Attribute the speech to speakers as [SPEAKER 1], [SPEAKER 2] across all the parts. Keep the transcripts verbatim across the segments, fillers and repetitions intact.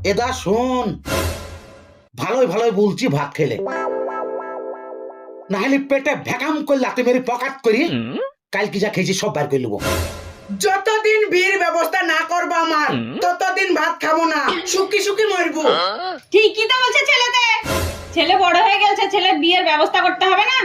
[SPEAKER 1] এদা শোন, ভালোই ভালোই বলছি, ভাত খেলে নাহলে পেটে ভ্যাকাম করে লাতে মেরে পকাত করি কাল কি যা খেয়েছি সব বার করে নেবো।
[SPEAKER 2] যতদিন বিয়ের ব্যবস্থা না করবো আমার ততদিন ভাত খাবো না, শুকি শুকি মরবো।
[SPEAKER 3] ঠিকই তো বলছে ছেলেতে, ছেলে বড় হয়ে গেছে, ছেলে বিয়ের ব্যবস্থা করতে হবে না?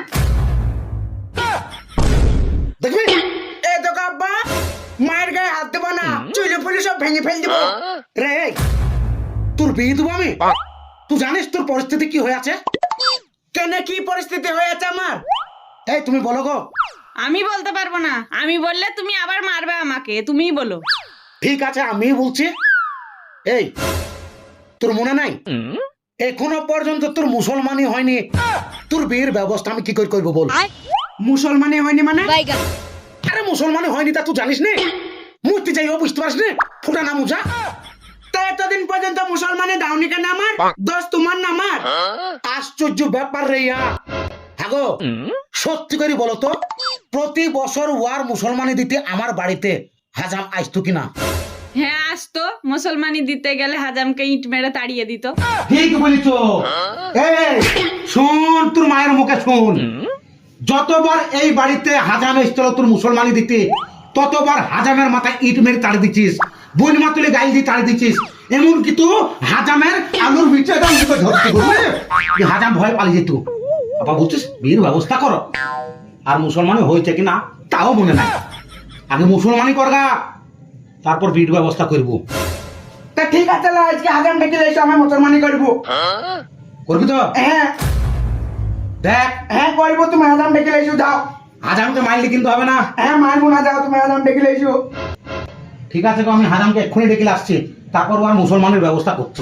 [SPEAKER 1] দেখবি
[SPEAKER 2] এ তো আব্বা, মায়ের গায়ে হাত দেবো না, চুলে ফুলে সব ভেঙে ফেল দেবো।
[SPEAKER 1] রে তোর বিয়ে দেবো আমি, তুই জানিস তোর পরিস্থিতি কি হয়ে আছে?
[SPEAKER 2] কেন, কি পরিস্থিতি হয়েছে আমার?
[SPEAKER 1] এই তুমি বলো গো।
[SPEAKER 3] আমি বলতে পারবো না, আমি বললে তুমি আবার মারবে আমাকে, তুমিই বলো।
[SPEAKER 1] ঠিক আছে আমি বলছি। এই তোর মনে নাই এখনো পর্যন্ত তোর মুসলমানই হয়নি, তোর বিয়ের ব্যবস্থা আমি কি করে করবো বল?
[SPEAKER 2] মুসলমানই হয়নি মানে?
[SPEAKER 1] আরে মুসলমানই হয়নি তা তুই জানিস নি? মূর্তি যাইও বুঝতে পারিস নি? ফুটা না মুজা।
[SPEAKER 2] তা এতদিন পর্যন্ত মুসলমানে দাওনি কেন আমার? দোষ তোমার না আমার?
[SPEAKER 1] আশ্চর্য ব্যাপার রে ইয়া। হ্যাঁ গো, সত্যি করে বলো তো, প্রতি বছর ওয়ার মুসলমানি দিতে আমার বাড়িতে হাজাম আসতো কিনা?
[SPEAKER 3] হ্যাঁ আসতো, মুসলমানি দিতে গেলে হাজামকে ইট মেরে তাড়িয়ে দিত।
[SPEAKER 1] ঠিক বলিছ। এই শোন, তোর মায়ের মুখে শোন, যতবার এই বাড়িতে হাজাম এসছিল তোর মুসলমানি দিতে, ততবার হাজামের মাথায় ইট মেরে তাড়ি দিচ্ছিস, বোন মা তুলে গাইল দিয়ে তাড়ি দিচ্ছিস। এমনকি তো হাজামের আলুর বিচে ধরতে করবে, হাজাম ভয় পালিয়ে যেত। বাবা বলছিস বিয়ের ব্যবস্থা করো, আর মুসলমানি হয়েছে কিনা তাও মনে নাই। আগে মুসলমানি করগা, তারপর বিয়ের ব্যবস্থা করবো।
[SPEAKER 2] তা ঠিক আছে, লা, আজকে হাজাম ডেকে এসে আমি মুসলমানি করবো।
[SPEAKER 1] করবি তো?
[SPEAKER 2] হ্যাঁ
[SPEAKER 1] দেখ,
[SPEAKER 2] হ্যাঁ করবো, তুমি হাজাম ডেকে এসো, যাও।
[SPEAKER 1] হাজামকে মারলে কিন্তু হবে না।
[SPEAKER 2] হ্যাঁ মারবো না, যাও তুমি হাজাম ডেকে এসো।
[SPEAKER 1] ঠিক আছে গো, আমি হাজামকে এক্ষুনি ডেকে আসছি, তারপর আর মুসলমানের ব্যবস্থা করছি।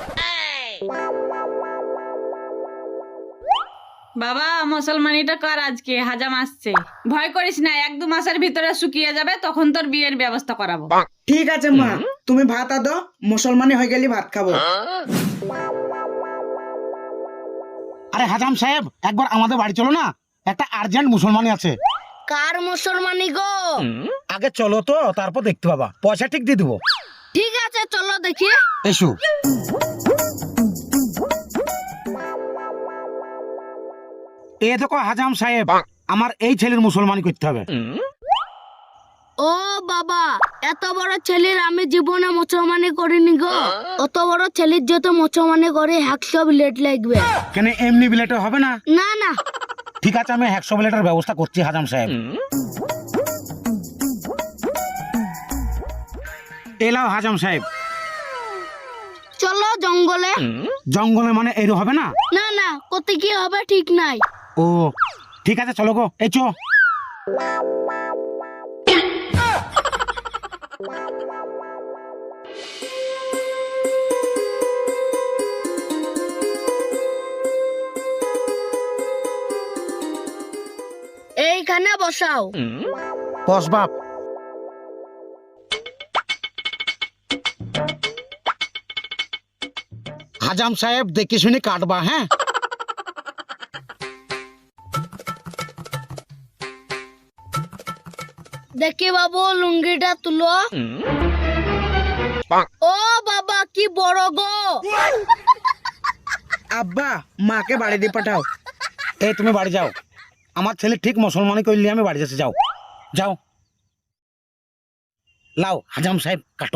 [SPEAKER 3] বাবা মুসলমানিটা কর, আজকে হাজাম আসছে। ভয় করিস না, এক দু মাসের ভিতরে শুকিয়ে যাবে, তখন তোর বিয়ের ব্যবস্থা করাবো।
[SPEAKER 2] ঠিক আছে মা, তুমি ভাত আদো, মুসলমানি হয়ে গেলি ভাত খাবো।
[SPEAKER 1] আরে হাজাম সাহেব, একবার আমাদের বাড়ি চলো না, একটা আর্জেন্ট মুসলমানি আছে।
[SPEAKER 4] কার মুসলমানি গো?
[SPEAKER 1] আগে চলো তো, তারপর দেখতে পাবা, পয়সা ঠিক দিয়ে দেবো।
[SPEAKER 4] ঠিক আছে চলো দেখি।
[SPEAKER 1] এসো। এ দেখো হাজাম সাহেব, আমার এই ছেলের মুসলমানি করতে হবে।
[SPEAKER 4] ও বাবা, এত বড় ছেলের আমি জীবনে মুসলমানি করিনি গো। অত বড় ছেলের যত মুসলমানি করে একশো বিলেট লাগবে।
[SPEAKER 1] কেন এমনি বিলেটে হবে না?
[SPEAKER 4] না না,
[SPEAKER 1] ঠিক আছে, আমি একশো বিলেটের ব্যবস্থা করছি হাজাম সাহেব। এলাও হাজাম সাহেব।
[SPEAKER 4] চলো জঙ্গলে।
[SPEAKER 1] জঙ্গলে মানে এরও হবে না?
[SPEAKER 4] না না, কোথায় কি হবে ঠিক নাই।
[SPEAKER 1] ও ঠিক আছে, চলো গো, এই চো।
[SPEAKER 4] এইখানে বসাও।
[SPEAKER 1] বস বাপ। হাজাম সাহেব দেখে শুনে কাটবা, হ্যাঁ?
[SPEAKER 4] দেখি বাবু লুঙ্গিটা তুলো। ও বাবা কি বড় গো।
[SPEAKER 2] আব্বা, মাকে বাড়ি দিয়ে পাঠাও।
[SPEAKER 1] এই তুমি বাড়ি যাও, আমার ছেলে ঠিক মুসলমানি করলে আমি বাড়ি যাচ্ছি। যাও যাও, লাও হাজাম সাহেব কাটো।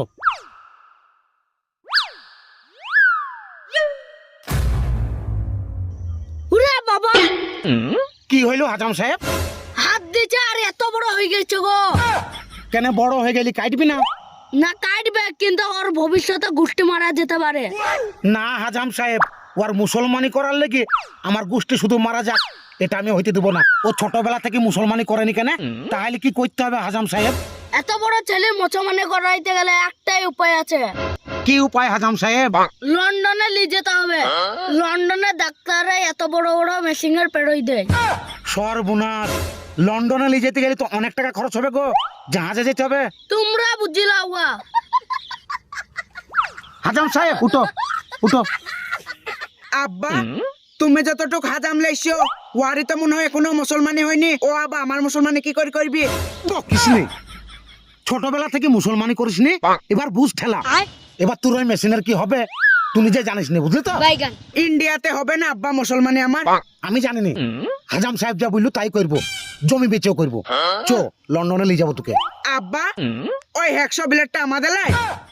[SPEAKER 4] উরে বাবা,
[SPEAKER 1] কি হইলো হাজাম সাহেব?
[SPEAKER 4] হাত দিছে আর এত বড় হয়ে গেছে গো।
[SPEAKER 1] কেন বড় হয়ে গেলি কাটবি না?
[SPEAKER 4] না কাটবে, কিন্তু ওর ভবিষ্যতে গোষ্ঠী মারা যেতে পারে।
[SPEAKER 1] না হাজাম সাহেব, ওর মুসলমানি করার লেগে আমার গোষ্ঠী শুধু মারা যাক এটা আমি হইতে দেবো না। ও ছোটবেলা থেকে মুসলমানি করেনি কেন? তাহলে কি করতে হবে হাজাম সাহেব?
[SPEAKER 4] এত বড় ছেলে মুসলমানি করাইতে গেলে একটাই উপায় আছে।
[SPEAKER 1] কি উপায় হাজাম সাহেব?
[SPEAKER 4] লন্ডনে নিয়ে যেতে হবে। লন্ডনে ডাক্তাররা এত বড় বড় মেশিনের পেরোই দেয়।
[SPEAKER 1] সর্বনাশ, লন্ডনে নিয়ে যেতে গেলে তো অনেক টাকা খরচ হবে গো, জাহাজে যেতে হবে।
[SPEAKER 4] তোমরা বুঝিলা ওয়া।
[SPEAKER 1] হাজাম সাহেব উঠো উঠো।
[SPEAKER 2] আব্বা, তুমি যতটুকু হাজাম লাইছো, ওয়ারি তো মনে হয় এখনো মুসলমানি হয়নি। ও আব্বা, আমার মুসলমানি কি করে করবি?
[SPEAKER 1] বকিস নে, ছোটবেলা থেকে মুসলমানি করিস নি, এবার বুঝ ঠেলা। এবার তোর ওই মেশিনের কি হবে তুই নিজে জানিস না, বুঝলি তো?
[SPEAKER 4] বাইগান।
[SPEAKER 2] ইন্ডিয়াতে হবে না আব্বা মুসলমানি আমার?
[SPEAKER 1] আমি জানি নি, হাজাম সাহেব যা বললো তাই করবো, জমি বেচেও করবো। চো লন্ডনে নিয়ে যাবো তোকে।
[SPEAKER 2] আব্বা ওই একশো বিলেটটা আমাদের লাই?